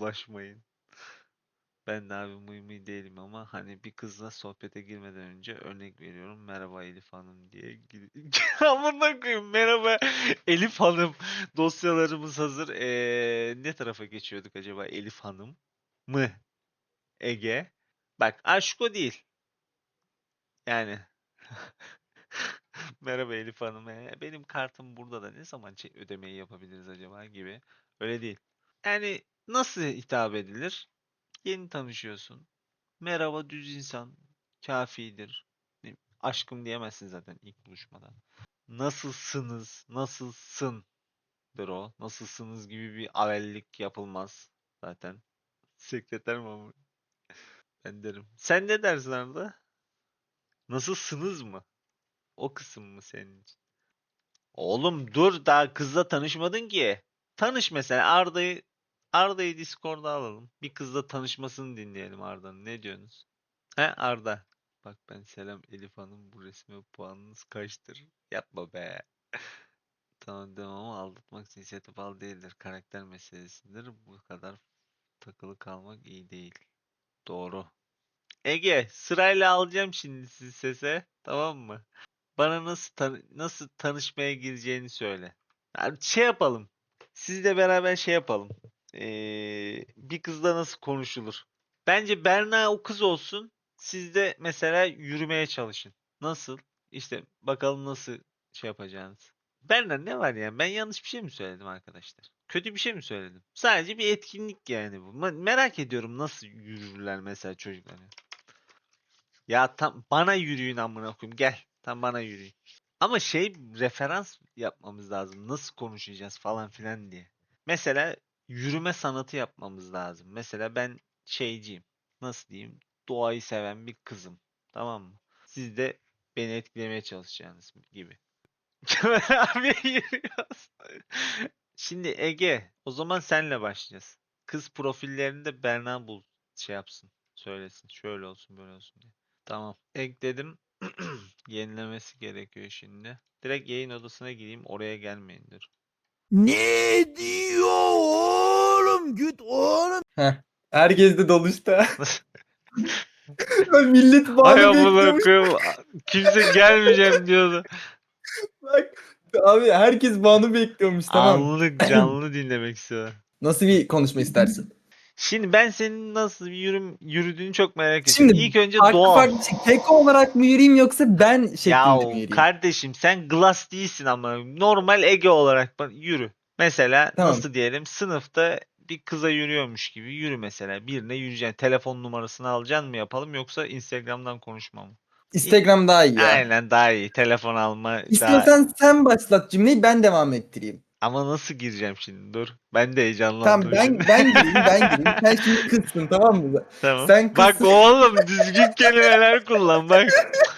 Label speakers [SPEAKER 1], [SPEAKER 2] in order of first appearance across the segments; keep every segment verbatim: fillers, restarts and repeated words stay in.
[SPEAKER 1] bulaşmayın. Ben de abi mıy mıy değilim ama hani bir kızla sohbete girmeden önce örnek veriyorum. Merhaba Elif Hanım diye gir- Amına koyayım, merhaba Elif Hanım. Dosyalarımız hazır. Ee, ne tarafa geçiyorduk acaba, Elif Hanım mı? Ege. Bak, aşk o değil. Yani. Merhaba Elif Hanım. ee, Benim kartım burada da ne zaman çe- ödemeyi yapabiliriz acaba gibi. Öyle değil. Yani nasıl hitap edilir? Yeni tanışıyorsun. Merhaba düz insan. Kafidir. Ne- Aşkım diyemezsin zaten ilk buluşmada. Nasılsınız? Nasılsındır o. Nasılsınız gibi bir avellik yapılmaz zaten. Sekreter mi ama? Ben derim. Sen ne dersin Arda? Nasılsınız mı? O kısım mı senin için? Oğlum dur, daha kızla tanışmadın ki. Tanış mesela, Arda'yı Arda'yı Discord'a alalım. Bir kızla tanışmasını dinleyelim Arda'nın. Ne diyorsunuz? He Arda. Bak, ben selam Elif Hanım, bu resme puanınız kaçtır? Yapma be. Tamam demem ama aldatmak inisiyatif al değildir. Karakter meselesidir. Bu kadar takılı kalmak iyi değil. Doğru. Ege, sırayla alacağım şimdi sizi sese. Tamam mı? Bana nasıl tan- nasıl tanışmaya gireceğini söyle. Yani şey yapalım. Sizle beraber şey yapalım. Ee, bir kızla nasıl konuşulur? Bence Berna o kız olsun. Siz de mesela yürümeye çalışın. Nasıl? İşte bakalım nasıl şey yapacağınız. Berna ne var yani? Ben yanlış bir şey mi söyledim arkadaşlar? Kötü bir şey mi söyledim? Sadece bir etkinlik yani bu. Ma- Merak ediyorum nasıl yürürler mesela çocuklar. Ya tam bana yürüyün amına koyayım, gel. Tam bana yürüyün. Ama şey, referans yapmamız lazım. Nasıl konuşacağız falan filan diye. Mesela yürüme sanatı yapmamız lazım. Mesela ben şeyciyim. Nasıl diyeyim? Doğayı seven bir kızım. Tamam mı? Siz de beni etkilemeye çalışacağınız gibi. Kemal abiye yürüyoruz. Şimdi Ege, o zaman senle başlayacağız. Kız profillerini de Berna bul, şey yapsın, söylesin. Şöyle olsun, böyle olsun diye. Tamam. Ekledim. Yenilemesi gerekiyor şimdi. Direkt yayın odasına gireyim. Oraya gelmeyin, dur.
[SPEAKER 2] Ne diyor oğlum? Güt oğlum. Heh. Herkes de doluşta. Millet
[SPEAKER 1] Hay
[SPEAKER 2] bağını
[SPEAKER 1] amına
[SPEAKER 2] bekliyormuş.
[SPEAKER 1] koyayım. Kimse gelmeyeceğim diyordu.
[SPEAKER 2] Bak abi, herkes bağını bekliyormuş, tamam.
[SPEAKER 1] Anlık canlı dinlemek istiyor.
[SPEAKER 2] Nasıl bir konuşma istersin?
[SPEAKER 1] Şimdi ben senin nasıl bir yürüm yürüdüğünü çok merak ediyorum.
[SPEAKER 2] Şimdi
[SPEAKER 1] İlk önce
[SPEAKER 2] farklı
[SPEAKER 1] doğal.
[SPEAKER 2] farklı bir şey. Keko olarak mı yürüyeyim yoksa ben şeklinde mi
[SPEAKER 1] Yahu
[SPEAKER 2] yürüyeyim?
[SPEAKER 1] kardeşim, sen glass değilsin ama normal Ege olarak bak- yürü. Mesela
[SPEAKER 2] Tamam.
[SPEAKER 1] nasıl diyelim, sınıfta bir kıza yürüyormuş gibi yürü mesela. Birine yürüyeceksin. Telefon numarasını alacaksın mı yapalım, yoksa Instagram'dan konuşma mı? İlk,
[SPEAKER 2] Instagram daha iyi ya.
[SPEAKER 1] aynen daha iyi. Telefon alma daha.
[SPEAKER 2] İstiyorsan sen başlat cümleyi, ben devam ettireyim.
[SPEAKER 1] Ama nasıl gireceğim şimdi? Dur. Ben de
[SPEAKER 2] Tamam,
[SPEAKER 1] heyecanlandım şimdi.
[SPEAKER 2] ben ben gireyim ben gireyim. Sen şimdi kızsın, tamam mı?
[SPEAKER 1] Tamam.
[SPEAKER 2] Sen
[SPEAKER 1] Bak
[SPEAKER 2] kızsın.
[SPEAKER 1] oğlum, düzgün kelimeler kullan bak.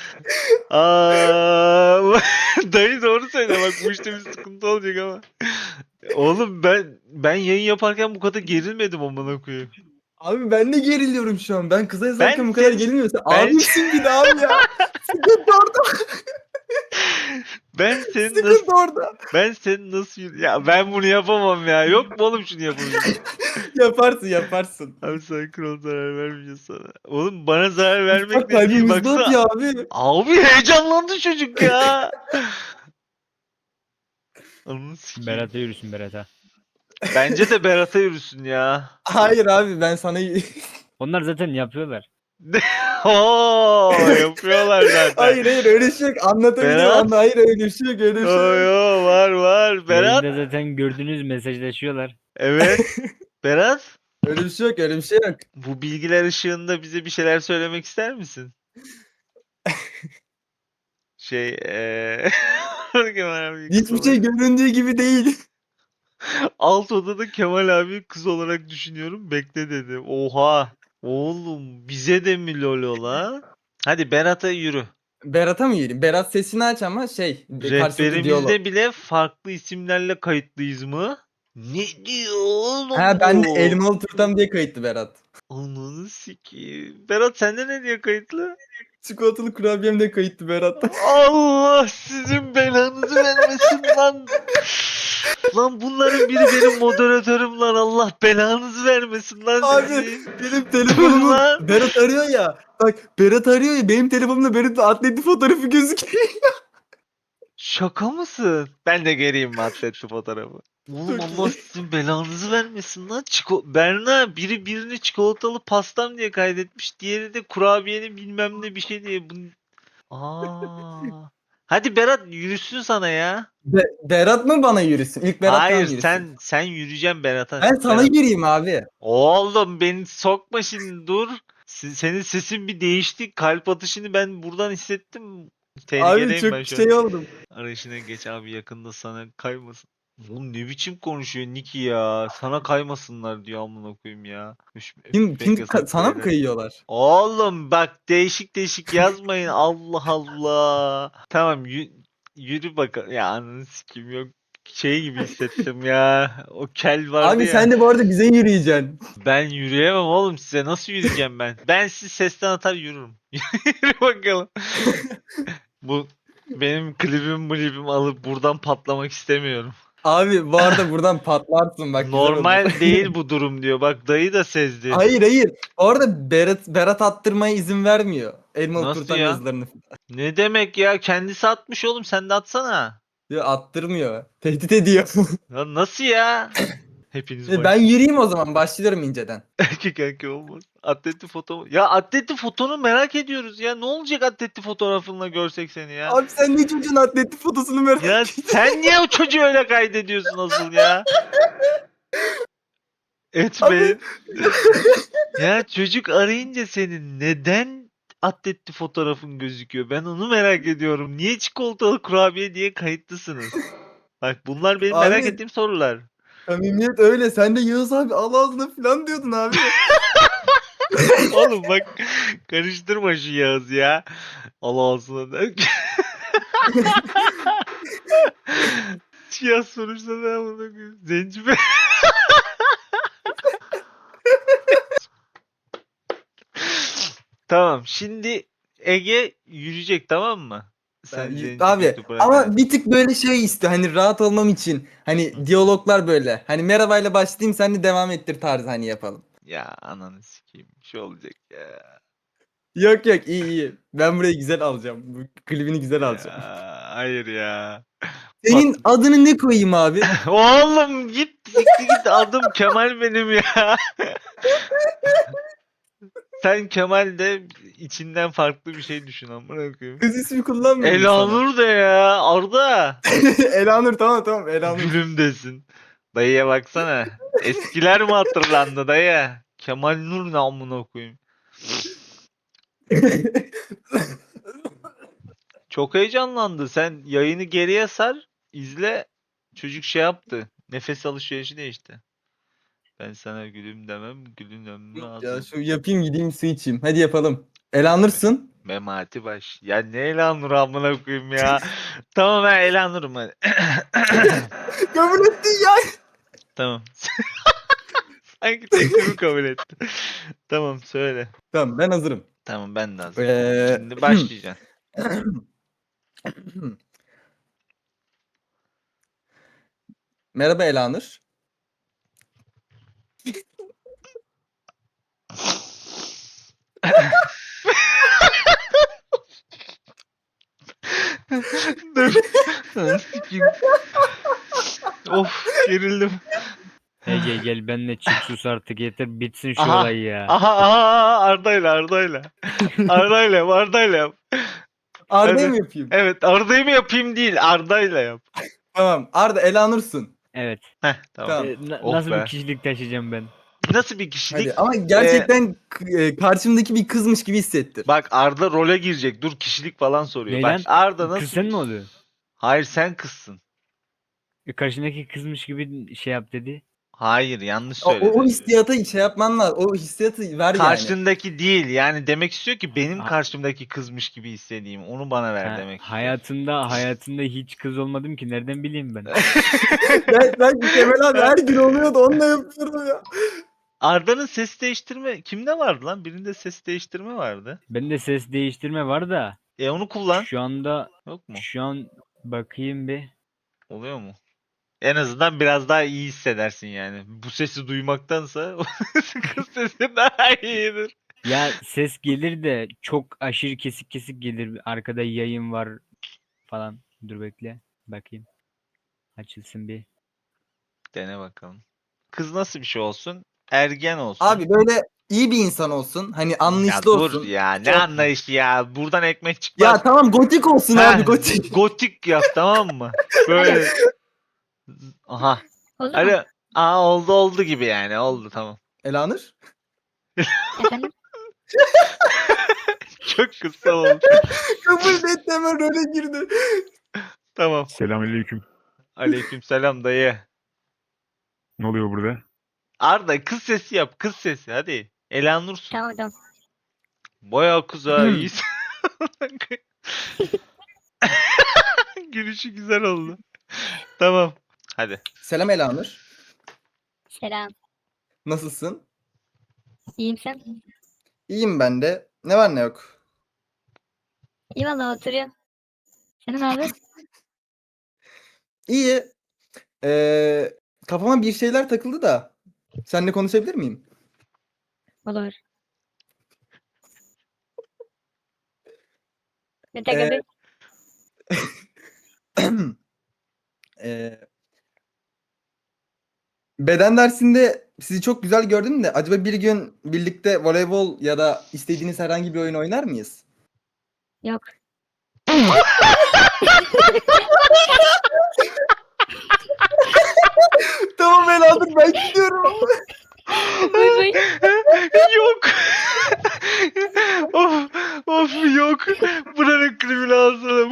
[SPEAKER 1] Aa, dayı doğru söyle, bak bu işte bir sıkıntı olacak ama. Oğlum ben ben yayın yaparken bu kadar gerilmedim amına koyayım.
[SPEAKER 2] Abi ben de geriliyorum şu an. Ben kıza
[SPEAKER 1] Ben
[SPEAKER 2] yazarken bu kadar
[SPEAKER 1] senin
[SPEAKER 2] gerilmiyorsa
[SPEAKER 1] ben
[SPEAKER 2] abimsin bir de abi ya. Sıkıntı orada.
[SPEAKER 1] ben senin nasıl
[SPEAKER 2] Sıkıntı orada.
[SPEAKER 1] ben senin nasıl yürü- ya ben bunu yapamam ya. Yok mu oğlum şunu yapabileceğim?
[SPEAKER 2] Yaparsın yaparsın.
[SPEAKER 1] Abi sen kral, zarar vermeyeceğiz sana. Oğlum bana zarar
[SPEAKER 2] Bak,
[SPEAKER 1] vermekle
[SPEAKER 2] kalbim
[SPEAKER 1] değil,
[SPEAKER 2] hızlı
[SPEAKER 1] baksana.
[SPEAKER 2] atıyor abi.
[SPEAKER 1] Abi heyecanlandı çocuk ya. Ananı sikeyim.
[SPEAKER 3] Berat'a yürüsün Berat'a.
[SPEAKER 1] Bence de Berat'a yürüsün ya.
[SPEAKER 2] Hayır abi, ben sana...
[SPEAKER 3] Onlar zaten yapıyorlar.
[SPEAKER 1] Oo, yapıyorlar zaten.
[SPEAKER 2] Hayır hayır, öyle şey yok. Anlatabilirim.
[SPEAKER 1] Berat?
[SPEAKER 2] Anla. Hayır, öyle bir şey yok, öyle bir
[SPEAKER 1] Yo
[SPEAKER 2] şey yok.
[SPEAKER 1] yo, var var. Berat?
[SPEAKER 3] Yayında zaten gördüğünüz mesajlaşıyorlar.
[SPEAKER 1] Evet. Berat?
[SPEAKER 2] Öyle bir şey yok, öyle bir şey yok.
[SPEAKER 1] Bu bilgiler ışığında bize bir şeyler söylemek ister misin? Şey eee Kemal abi kız
[SPEAKER 2] Hiçbir şey
[SPEAKER 1] olarak.
[SPEAKER 2] göründüğü gibi değil.
[SPEAKER 1] Alt odada Kemal abi kız olarak düşünüyorum. Bekle dedi. Oha. Oğlum bize de mi lolo la? Hadi Berat'a yürü.
[SPEAKER 2] Berat'a mı yiyelim? Berat sesini aç ama şey, karşılıklı diyalog.
[SPEAKER 1] Rehberimizde bile farklı isimlerle kayıtlıyız mı? Ne diyor oğlum
[SPEAKER 2] Ha, ben de
[SPEAKER 1] bu?
[SPEAKER 2] elmalı turtam diye kayıtlı Berat.
[SPEAKER 1] Ananı sikeyim. Berat sende ne diye kayıtlı?
[SPEAKER 2] Çikolatalı kurabiyem de kayıtlı Berat.
[SPEAKER 1] Allah sizin belanızı vermesin lan. Lan bunların biri benim moderatörüm lan, Allah belanızı vermesin lan
[SPEAKER 2] Abi
[SPEAKER 1] sizi.
[SPEAKER 2] benim telefonumu
[SPEAKER 1] lan.
[SPEAKER 2] Berat arıyor ya. Bak Berat arıyor ya, benim telefonumda Berat'ın atletli fotoğrafı gözüküyor.
[SPEAKER 1] Şaka mısın? Ben de göreyim mi atletli fotoğrafı? Oğlum
[SPEAKER 2] Çok
[SPEAKER 1] Allah
[SPEAKER 2] iyi.
[SPEAKER 1] sizin belanızı vermesin lan. Çiko Berna biri birini çikolatalı pastam diye kaydetmiş. Diğeri de kurabiyenin bilmem ne bir şey diye. Bunun... Aa. Hadi Berat yürüsün sana ya.
[SPEAKER 2] Be- Berat mı bana yürüsün? İlk Berat
[SPEAKER 1] Hayır
[SPEAKER 2] bana yürüsün.
[SPEAKER 1] sen sen yürüyeceksin Berat'a.
[SPEAKER 2] Ben sana
[SPEAKER 1] Berat-
[SPEAKER 2] yürüyeyim abi.
[SPEAKER 1] Oğlum beni sokma şimdi, dur. Se- Senin sesin bir değişti. Kalp atışını ben buradan hissettim.
[SPEAKER 2] Abi
[SPEAKER 1] Tehlikedeyim ben
[SPEAKER 2] çok
[SPEAKER 1] şu
[SPEAKER 2] şey
[SPEAKER 1] an.
[SPEAKER 2] oldum.
[SPEAKER 1] Arayışına geç abi, yakında sana kaymasın. Oğlum ne biçim konuşuyor Niki ya. Sana kaymasınlar diyor amına koyayım ya. Üş,
[SPEAKER 2] Kim,
[SPEAKER 1] öpmek
[SPEAKER 2] kim
[SPEAKER 1] yasak
[SPEAKER 2] ka- sana mı
[SPEAKER 1] beyler.
[SPEAKER 2] kayıyorlar?
[SPEAKER 1] Oğlum bak değişik değişik yazmayın. Allah Allah. Tamam yü- yürü bakalım. Ya ananı sikeyim, yok. Şey gibi hissettim ya. O kel vardı
[SPEAKER 2] Abi
[SPEAKER 1] ya.
[SPEAKER 2] sen de bu arada bize yürüyeceksin.
[SPEAKER 1] Ben yürüyemem oğlum, size nasıl yürüyeceğim ben? Ben sizi sesten atar yürürüm. Yürü bakalım. Bu benim klibim klibim alıp buradan patlamak istemiyorum.
[SPEAKER 2] Abi bu arada buradan patlarsın bak, güzel olur.
[SPEAKER 1] Normal değil bu durum diyor. Bak dayı da sezdi.
[SPEAKER 2] Hayır hayır. Bu arada Berat, Berat attırmaya izin vermiyor. Elmalı
[SPEAKER 1] Nasıl
[SPEAKER 2] kurtarma
[SPEAKER 1] ya?
[SPEAKER 2] yazılarını.
[SPEAKER 1] Ne demek ya? Kendisi atmış oğlum, sen de atsana.
[SPEAKER 2] Diyor, attırmıyor. Tehdit ediyor.
[SPEAKER 1] Ya nasıl ya? Hepiniz
[SPEAKER 2] ben
[SPEAKER 1] baş.
[SPEAKER 2] yürüyeyim o zaman. Başlıyorum inceden.
[SPEAKER 1] Erkek erkek olmaz. Atletli foto. Ya atletli fotonu merak ediyoruz ya. Ne olacak atletli fotoğrafınla görsek seni ya?
[SPEAKER 2] Abi sen ne çocuğun atletli fotosunu merak
[SPEAKER 1] Ya sen niye o çocuğu öyle kaydediyorsun asıl ya? Etmeyin. Ya çocuk arayınca senin neden atletli fotoğrafın gözüküyor? Ben onu merak ediyorum. Niye çikolatalı kurabiye diye kayıtlısınız? Bak bunlar benim merak
[SPEAKER 2] Abi-
[SPEAKER 1] ettiğim sorular.
[SPEAKER 2] Samimiyet öyle. Sen de Yağız abi al ağzına falan diyordun abi.
[SPEAKER 1] Oğlum bak karıştırma şu Yağız ya. Allah ağzına da. Yağız sonuçta ne amına koyayım? Zenci be. Tamam şimdi Ege yürüyecek, tamam mı? Sen
[SPEAKER 2] Ben-
[SPEAKER 1] zenci
[SPEAKER 2] abi
[SPEAKER 1] kötü bırak.
[SPEAKER 2] ama bir tık böyle şey istiyor. Hani rahat olmam için. Hani diyaloglar böyle. Hani merhabayla başlayayım, sen de devam ettir tarzı hani yapalım.
[SPEAKER 1] Ya ananı sikeyim. Bir şey olacak ya.
[SPEAKER 2] Yok yok, iyi iyi. Ben burayı güzel alacağım. Bu klibini güzel alacağım.
[SPEAKER 1] Ya, hayır ya.
[SPEAKER 2] Senin adını ne koyayım abi?
[SPEAKER 1] Oğlum git siktir git, adım Kemal benim ya. Sen Kemal de içinden farklı bir şey düşün amına koyayım.
[SPEAKER 2] Kız ismi kullanmıyorum sana.
[SPEAKER 1] Elanur de ya, Arda.
[SPEAKER 2] Elanur, tamam tamam Elanur.
[SPEAKER 1] Gülüm desin. Dayıya baksana. Eskiler mi hatırlandı dayı? Kemal Nur ne amına koyayım. Çok heyecanlandı. Sen yayını geriye sar, izle. Çocuk şey yaptı. Nefes alışverişi değişti. Ben sana gülüm demem, gülün ömrü
[SPEAKER 2] ya
[SPEAKER 1] azim.
[SPEAKER 2] şu yapayım, gideyim su içeyim. Hadi yapalım. Elanur'sun.
[SPEAKER 1] Memati baş. Ya ne Elanur amına koyayım ya. Tamam ben Elanur'um hadi.
[SPEAKER 2] Kabul ettin ya.
[SPEAKER 1] Tamam. Sanki teklimi kabul etti. Tamam söyle.
[SPEAKER 2] Tamam, ben hazırım.
[SPEAKER 1] Tamam ben de hazırım.
[SPEAKER 2] Ee,
[SPEAKER 1] Şimdi başlayacaksın.
[SPEAKER 2] Merhaba Elanur.
[SPEAKER 1] Dur. Lan sikeyim. Of gerildim.
[SPEAKER 3] Ege gel benimle çık sus artık, yeter bitsin şu
[SPEAKER 1] Aha,
[SPEAKER 3] olay ya.
[SPEAKER 1] Aha aha Arda'yla Arda'yla. Arda'yla yap, Arda'yla yap.
[SPEAKER 2] Arda'yı
[SPEAKER 1] Hadi.
[SPEAKER 2] mı yapayım?
[SPEAKER 1] Evet Arda'yı mı yapayım değil, Arda'yla yap.
[SPEAKER 2] Tamam. Arda, Elanur'sun.
[SPEAKER 3] Evet.
[SPEAKER 1] Heh tamam.
[SPEAKER 2] Tamam.
[SPEAKER 3] Ee, na-
[SPEAKER 1] Oh
[SPEAKER 3] nasıl
[SPEAKER 1] be.
[SPEAKER 3] bir kişilik taşıyacağım ben?
[SPEAKER 1] Nasıl bir kişilik?
[SPEAKER 2] Hadi ama gerçekten k- e, karşımdaki bir kızmış gibi hissettir.
[SPEAKER 1] Bak Arda role girecek. Dur kişilik falan soruyor.
[SPEAKER 3] Ne
[SPEAKER 1] Bak
[SPEAKER 3] lan?
[SPEAKER 1] Arda nasıl
[SPEAKER 3] Kız sen
[SPEAKER 1] bir-
[SPEAKER 3] mi oluyorsun?
[SPEAKER 1] Hayır sen kızsın.
[SPEAKER 3] E, Karşındaki kızmış gibi şey yap dedi.
[SPEAKER 1] Hayır yanlış
[SPEAKER 2] O,
[SPEAKER 1] söyledi.
[SPEAKER 2] o, o hissiyata şey yapman lazım. O hissiyatı ver yani.
[SPEAKER 1] Karşındaki değil. Yani demek istiyor ki benim
[SPEAKER 3] Ha-
[SPEAKER 1] karşımdaki kızmış gibi hissedeyim. Onu bana ver
[SPEAKER 3] Ha,
[SPEAKER 1] demek istiyor.
[SPEAKER 3] hayatında hayatında hiç kız olmadım ki, nereden bileyim ben?
[SPEAKER 2] Ben, ben Kemal abi her gün oluyordu, onunla yapıyorum ya.
[SPEAKER 1] Arda'nın ses değiştirme kimde vardı lan? Birinde ses değiştirme vardı.
[SPEAKER 3] Bende ses değiştirme var da
[SPEAKER 1] E onu kullan.
[SPEAKER 3] şu anda
[SPEAKER 1] Yok mu?
[SPEAKER 3] şu an bakayım bir.
[SPEAKER 1] Oluyor mu? En azından biraz daha iyi hissedersin yani. Bu sesi duymaktansa kız sesi daha iyidir.
[SPEAKER 3] Ya ses gelir de çok aşırı kesik kesik gelir. Arkada yayın var falan. Dur bekle. Bakayım. Açılsın bir.
[SPEAKER 1] Dene bakalım. Kız nasıl bir şey olsun? Ergen olsun.
[SPEAKER 2] Abi böyle iyi bir insan olsun. Hani
[SPEAKER 1] Ya
[SPEAKER 2] anlayışlı
[SPEAKER 1] dur
[SPEAKER 2] olsun.
[SPEAKER 1] ya ne
[SPEAKER 2] Şey-
[SPEAKER 1] anlayışı ya. Buradan ekmek çıkmaz.
[SPEAKER 2] Ya tamam gotik olsun
[SPEAKER 1] Ha,
[SPEAKER 2] abi gotik.
[SPEAKER 1] gotik yap tamam mı? Böyle. Aha.
[SPEAKER 4] Oldu mu?
[SPEAKER 1] Hadi. Aa oldu oldu gibi yani. Oldu tamam.
[SPEAKER 2] Elanur.
[SPEAKER 4] Efendim?
[SPEAKER 1] Çok kısa oldu.
[SPEAKER 2] Kabul etti hemen role girdi.
[SPEAKER 1] Tamam.
[SPEAKER 5] Selamünaleyküm.
[SPEAKER 1] Aleykümselam dayı.
[SPEAKER 5] Ne oluyor burada?
[SPEAKER 1] Arda kız sesi yap. Kız sesi hadi. Elanursun.
[SPEAKER 4] Tamam tamam.
[SPEAKER 1] Bayağı kız ha
[SPEAKER 2] Hmm.
[SPEAKER 1] iyisin. Gülüşü güzel oldu. Tamam. Hadi.
[SPEAKER 2] Selam Elanur.
[SPEAKER 4] Selam.
[SPEAKER 2] Nasılsın?
[SPEAKER 4] İyiyim sen?
[SPEAKER 2] İyiyim ben de. Ne var ne yok.
[SPEAKER 4] İyi valla oturuyorum. Senin abi?
[SPEAKER 2] İyi. Ee, kafama bir şeyler takıldı da. Seninle konuşabilir miyim?
[SPEAKER 4] Olur. Ne
[SPEAKER 2] Ee,
[SPEAKER 4] takıldı?
[SPEAKER 2] Ee, beden dersinde sizi çok güzel gördüm de acaba bir gün birlikte voleybol ya da istediğiniz herhangi bir oyun oynar mıyız?
[SPEAKER 4] Yok.
[SPEAKER 2] Tamam Elanur ben gidiyorum.
[SPEAKER 4] Bay bay.
[SPEAKER 1] Yok. of, of yok. Buranın kriminalsını.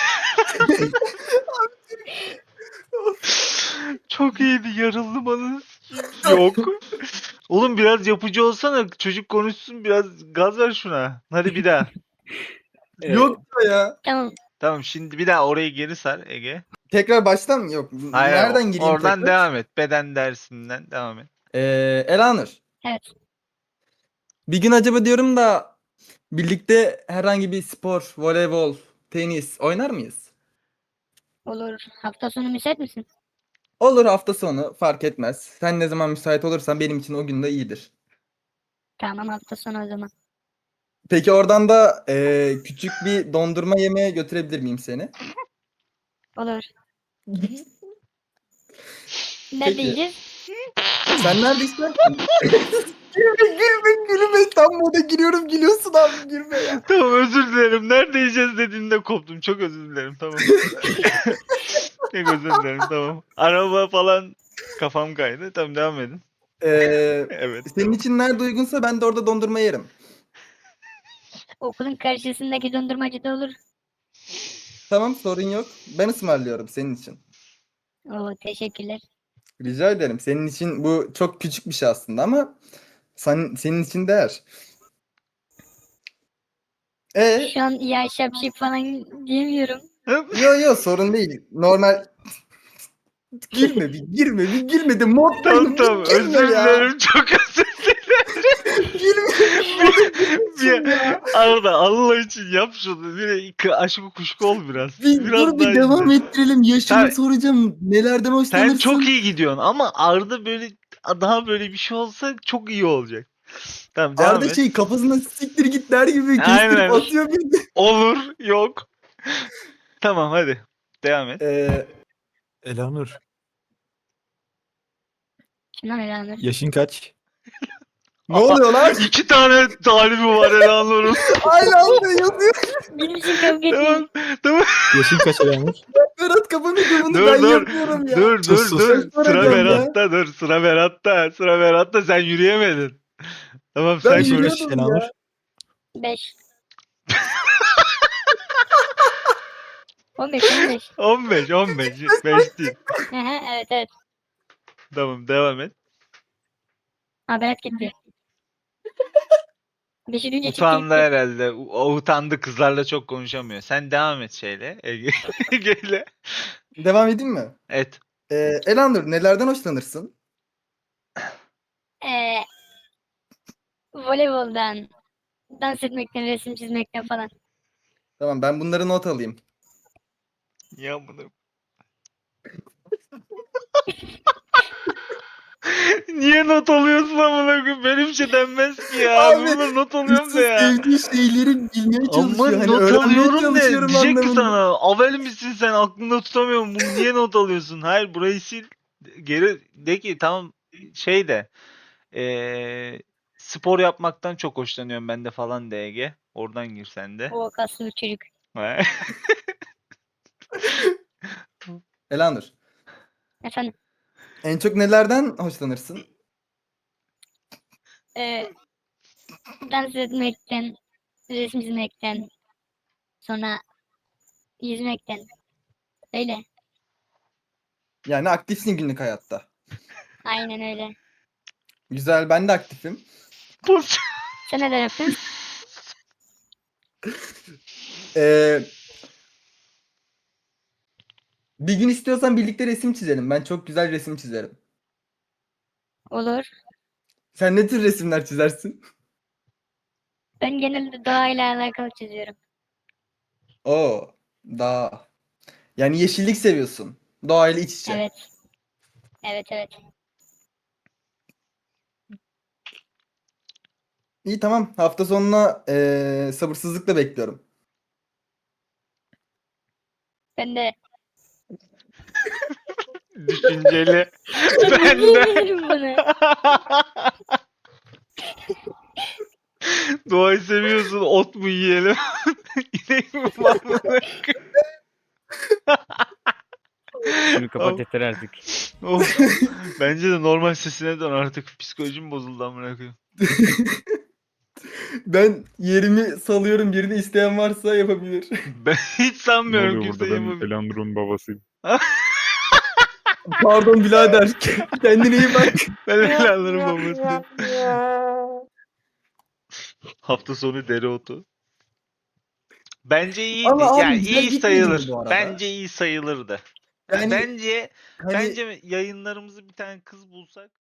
[SPEAKER 1] Çok iyiydi. Yarıldım anasını sikeyim. Yok. Oğlum biraz yapıcı olsana. Çocuk konuşsun biraz gaz ver şuna. Hadi bir daha.
[SPEAKER 2] Yok ya.
[SPEAKER 4] Tamam.
[SPEAKER 1] Tamam şimdi bir daha orayı geri sar Ege.
[SPEAKER 2] Tekrar baştan mı? Yok.
[SPEAKER 1] Hayır,
[SPEAKER 2] Nereden gireyim
[SPEAKER 1] oradan
[SPEAKER 2] tekrar?
[SPEAKER 1] devam et. Beden dersinden devam et.
[SPEAKER 2] Ee, Elanur.
[SPEAKER 4] Evet.
[SPEAKER 2] Bir gün acaba diyorum da birlikte herhangi bir spor, voleybol, tenis oynar mıyız?
[SPEAKER 4] Olur. Hafta sonu müsait misin?
[SPEAKER 2] Olur hafta sonu fark etmez. Sen ne zaman müsait olursan benim için o gün de iyidir.
[SPEAKER 4] Tamam hafta sonu o zaman.
[SPEAKER 2] Peki oradan da e, küçük bir dondurma yemeye götürebilir miyim seni?
[SPEAKER 4] Olur. Nerede
[SPEAKER 2] Peki.
[SPEAKER 4] yiyeceğiz?
[SPEAKER 2] Sen nerede istersen. Gülme gülme gülme. Tam moda giriyorum gülüyorsun abi gülme ya.
[SPEAKER 1] Tamam özür dilerim. Nerede yiyeceğiz dediğinde koptum. Çok özür dilerim. Tamam. Çok özür dilerim. Tamam. Araba falan kafam kaydı. Tamam devam edin.
[SPEAKER 2] Ee,
[SPEAKER 1] Evet.
[SPEAKER 2] senin
[SPEAKER 1] tamam.
[SPEAKER 2] için nerede uygunsa ben de orada dondurma yerim.
[SPEAKER 4] Okulun karşısındaki dondurmacıda olur.
[SPEAKER 2] Tamam sorun yok. Ben ısmarlıyorum senin için.
[SPEAKER 4] Oo teşekkürler.
[SPEAKER 2] Rica ederim. Senin için bu çok küçük bir şey aslında ama sen, senin için değer. E
[SPEAKER 4] Şu an ya şapşik falan diyemiyorum.
[SPEAKER 2] yo yo sorun değil. Normal girme bir girme bir girme de moddayım
[SPEAKER 1] Tamam tamam.
[SPEAKER 2] bir girme
[SPEAKER 1] Özür
[SPEAKER 2] ya.
[SPEAKER 1] dilerim. Çok özür dilerim.
[SPEAKER 2] Girme.
[SPEAKER 1] Bir, Arda Allah için yap şunu. Bir k- aşkı kuşku ol biraz.
[SPEAKER 2] Bir
[SPEAKER 1] biraz
[SPEAKER 2] dur bir
[SPEAKER 1] daha
[SPEAKER 2] devam
[SPEAKER 1] izle.
[SPEAKER 2] ettirelim. Yaşını
[SPEAKER 1] Sen-
[SPEAKER 2] soracağım. Nelerden hoşlanırsın?
[SPEAKER 1] Sen çok iyi gidiyorsun ama Arda böyle daha böyle bir şey olsa çok iyi olacak. Tamam devam
[SPEAKER 2] Arda
[SPEAKER 1] et.
[SPEAKER 2] şey kafasına siktir git der gibi
[SPEAKER 1] Aynen.
[SPEAKER 2] kestirip atıyor bir de.
[SPEAKER 1] Olur, yok. Tamam hadi. Devam et.
[SPEAKER 2] Ee,
[SPEAKER 6] Elanur,
[SPEAKER 4] Şundan elanır.
[SPEAKER 6] yaşın kaç?
[SPEAKER 2] ne oluyor lan?
[SPEAKER 1] İki tane talibi var Elanur'un.
[SPEAKER 2] Aynı anda yazıyor.
[SPEAKER 4] Benim için kavga etmeyin.
[SPEAKER 1] tamam. Tamam.
[SPEAKER 6] Yaşın kaç Elanur?
[SPEAKER 2] Berat kafanı kıvını
[SPEAKER 1] Dur
[SPEAKER 2] ben
[SPEAKER 1] dur.
[SPEAKER 2] yapıyorum ya.
[SPEAKER 1] Dur dur
[SPEAKER 6] Sus, sus.
[SPEAKER 1] dur. Sıra
[SPEAKER 2] Soracağım ya.
[SPEAKER 1] Berat'ta dur. Sıra Berat'ta. Sıra Berat'ta sen yürüyemedin. Tamam
[SPEAKER 2] Ben
[SPEAKER 1] sen
[SPEAKER 6] Yaşın
[SPEAKER 1] konuş.
[SPEAKER 6] kaç
[SPEAKER 2] yürüyordum
[SPEAKER 6] Elanur?
[SPEAKER 2] ya.
[SPEAKER 4] Beş. On beş, on beş.
[SPEAKER 1] on beş on beş. beş değil.
[SPEAKER 4] Hı hı, evet evet.
[SPEAKER 1] Tamam devam et.
[SPEAKER 4] Ha Berat gitti. Beşi duyunca çıktı
[SPEAKER 1] Utandı
[SPEAKER 4] gitti.
[SPEAKER 1] herhalde. O utandı kızlarla çok konuşamıyor. Sen devam et şeyle. Ege- Ege'yle.
[SPEAKER 2] Devam edeyim mi?
[SPEAKER 1] Et.
[SPEAKER 2] Ee, Elanur nelerden hoşlanırsın?
[SPEAKER 4] Ee, voleyboldan, dans etmekten, resim çizmekten falan.
[SPEAKER 2] Tamam ben bunları not alayım.
[SPEAKER 1] Ya bunu. Niye not alıyorsun amına koyayım? Benim şey denmez ki ya.
[SPEAKER 2] Abi,
[SPEAKER 1] Bunlar not alıyorum
[SPEAKER 2] Hırsız
[SPEAKER 1] da ya.
[SPEAKER 2] sevdiği şeyleri bilmeye
[SPEAKER 1] Ama
[SPEAKER 2] çalışıyor. Hani
[SPEAKER 1] not
[SPEAKER 2] öğrenmeye
[SPEAKER 1] alıyorum de
[SPEAKER 2] çalışıyorum
[SPEAKER 1] diyecek ki
[SPEAKER 2] anlamında.
[SPEAKER 1] sana avel misin sen aklında tutamıyorum bunu niye not alıyorsun? Hayır burayı sil geri de ki tamam şey de eee, spor yapmaktan çok hoşlanıyorum ben de falan de Ege. Oradan gir sen de.
[SPEAKER 4] O kaslı bir çocuk.
[SPEAKER 2] Elanur,
[SPEAKER 4] Efendim.
[SPEAKER 2] en çok nelerden hoşlanırsın?
[SPEAKER 4] E, dans etmekten, resim çizmekten, sonra yüzmekten. Öyle.
[SPEAKER 2] Yani aktifsin günlük hayatta.
[SPEAKER 4] Aynen öyle.
[SPEAKER 2] Güzel, ben de aktifim.
[SPEAKER 4] Sen neler yapıyorsun?
[SPEAKER 2] Ee, bir gün istiyorsan birlikte resim çizelim. Ben çok güzel resim çizerim.
[SPEAKER 4] Olur.
[SPEAKER 2] Sen ne tür resimler çizersin?
[SPEAKER 4] Ben genelde doğayla alakalı çiziyorum.
[SPEAKER 2] Oo, daha. Yani yeşillik seviyorsun. Doğayla iç içe.
[SPEAKER 4] Evet. Evet evet.
[SPEAKER 2] İyi tamam. Hafta sonuna ee, sabırsızlıkla bekliyorum.
[SPEAKER 4] Ben de
[SPEAKER 1] Düşünceli. Ben de.
[SPEAKER 4] diyebilirim bunu.
[SPEAKER 1] Doğayı seviyorsun ot mu yiyelim? İnek mi var mı?
[SPEAKER 3] Şunu kapat yeter artık.
[SPEAKER 1] Of. Bence de normal sesine dön artık. Psikolojim bozuldu amına koyayım.
[SPEAKER 2] Ben yerimi salıyorum. Birini isteyen varsa yapabilir.
[SPEAKER 1] Ben hiç
[SPEAKER 5] Ne
[SPEAKER 1] sanmıyorum
[SPEAKER 5] oluyor
[SPEAKER 1] kimse
[SPEAKER 5] burada? Ben
[SPEAKER 1] yapabilir.
[SPEAKER 5] Elanur'un babasıyım.
[SPEAKER 2] Pardon birader. Kendine iyi bak.
[SPEAKER 1] Ben Elanur'un babasıyım. Hafta sonu dereotu. Bence iyiydi.
[SPEAKER 2] Ama abi
[SPEAKER 1] Yani
[SPEAKER 2] güzel
[SPEAKER 1] iyi
[SPEAKER 2] gitmedi mi
[SPEAKER 1] sayılır.
[SPEAKER 2] bu arada?
[SPEAKER 1] Bence iyi sayılırdı.
[SPEAKER 2] Yani
[SPEAKER 1] Bence
[SPEAKER 2] hani
[SPEAKER 1] bence yayınlarımızı bir tane kız bulsak